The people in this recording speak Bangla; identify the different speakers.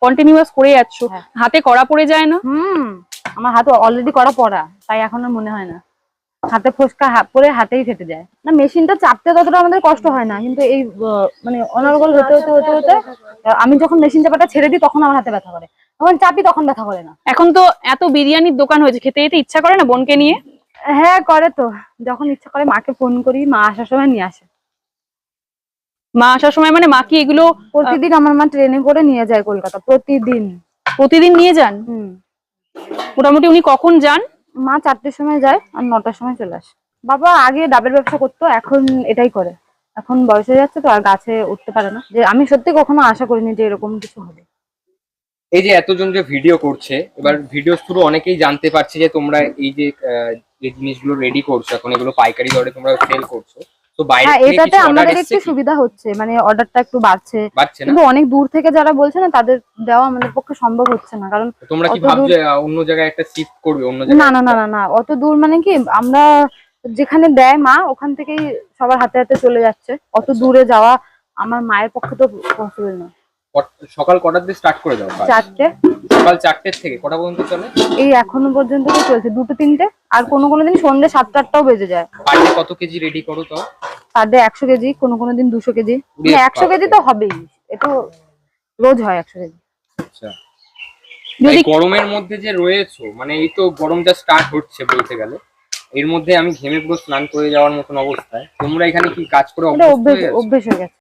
Speaker 1: কন্টিনিউয়াস করে যাচ্ছ, হাতে কড়া পড়ে যায় না?
Speaker 2: আমার হাতে অলরেডি কড়া পড়া, তাই এখন আর মনে হয় না। হাতে ফোসকা পরে হাতেই ফেটে যায়। না মেশিনটা চাপতে ততটা আমাদের কষ্ট হয় না, কিন্তু এই মানে অনর্গল হতে হতে হতে হতে আমি যখন মেশিন চাপাটা ছেড়ে দিই তখন আমার হাতে ব্যথা করে, যখন চাপি তখন ব্যথা করে না।
Speaker 1: এখন তো এত বিরিয়ানির দোকান হয়েছে, খেতে যেতে ইচ্ছা করে না বোনকে নিয়ে?
Speaker 2: হ্যাঁ করে তো, যখন ইচ্ছা করে মাকে ফোন করি, মা আসার সময় নিয়ে আসে।
Speaker 1: মা আসার সময় মানে মা কি এগুলো
Speaker 2: প্রতিদিন আমার মা ট্রেনে করে নিয়ে যায় কলকাতা, প্রতিদিন।
Speaker 1: প্রতিদিন নিয়ে যান? মোটামুটি উনি কখন যান?
Speaker 2: মা 4টের সময় যায় আর 9টার সময় চলে আসে। বাবা আগে ডাবের ব্যবসা করতো, এখন এটাই করে। এখন বয়স হয়ে যাচ্ছে তো আর গাছে উঠতে পারে না। যে আমি সত্যি কখনো আশা করিনি যে এরকম কিছু হবে।
Speaker 3: এই যে এতজন যে ভিডিও করছে, এবার ভিডিও থ্রু অনেকেই জানতে পারছে যে তোমরা এই যে জিনিসগুলো রেডি করছো, এখন এগুলো পাইকারি দরে তোমরা সেল করছো, তো বাইরে থেকে
Speaker 2: এটাতে
Speaker 3: কিছু অর্ডার
Speaker 2: আমাদের
Speaker 3: এসেছে
Speaker 2: একটু সুবিধা হচ্ছে, মানে অর্ডারটা একটু বাড়ছে।
Speaker 3: না?
Speaker 2: কিন্তু অনেক দূর থেকে যারা বলছে না, তাদের দেওয়া আমাদের পক্ষে সম্ভব হচ্ছে না। কারণ
Speaker 3: তোমরা কি
Speaker 2: অত
Speaker 3: ভাবছো
Speaker 2: দূর
Speaker 3: অন্য জায়গায় একটা শিফট করবে? অন্য
Speaker 2: না
Speaker 3: জায়গায়
Speaker 2: না না না না, অত দূর মানে কি, আমরা যেখানে দেয় মা ওখান থেকেই সবার হাতে হাতে চলে যাচ্ছে। অত দূরে যাওয়া আমার মায়ের পক্ষে তো পসিবল না।
Speaker 3: সকাল কটার দিকে স্টার্ট করে দাও?
Speaker 2: 4টে।
Speaker 3: সকাল 4টের থেকে কটা পর্যন্ত চলে?
Speaker 2: এই এখনো পর্যন্ত তো চলছে 2টো 3টে, আর কোনো দিন সন্ধ্যে 7টা 8টাও বেজে যায়।
Speaker 3: পার ডে কত কেজি রেডি করো তো?
Speaker 2: পার ডে 100 কেজি, কোনো দিন 200 কেজি। মানে 100 কেজি তো হবেই, এটা রোজ হয় 100 কেজি।
Speaker 3: আচ্ছা, যদি গরমের মধ্যে যে রয়েছো, মানে এই তো গরমটা স্টার্ট হচ্ছে বলতে গেলে, এর মধ্যে আমি ঘেমে পুরো স্নান করে যাওয়ার মতন অবস্থায়, তোমরা এখানে কি কাজ করে
Speaker 2: অভ্যেস হয়ে গেছে।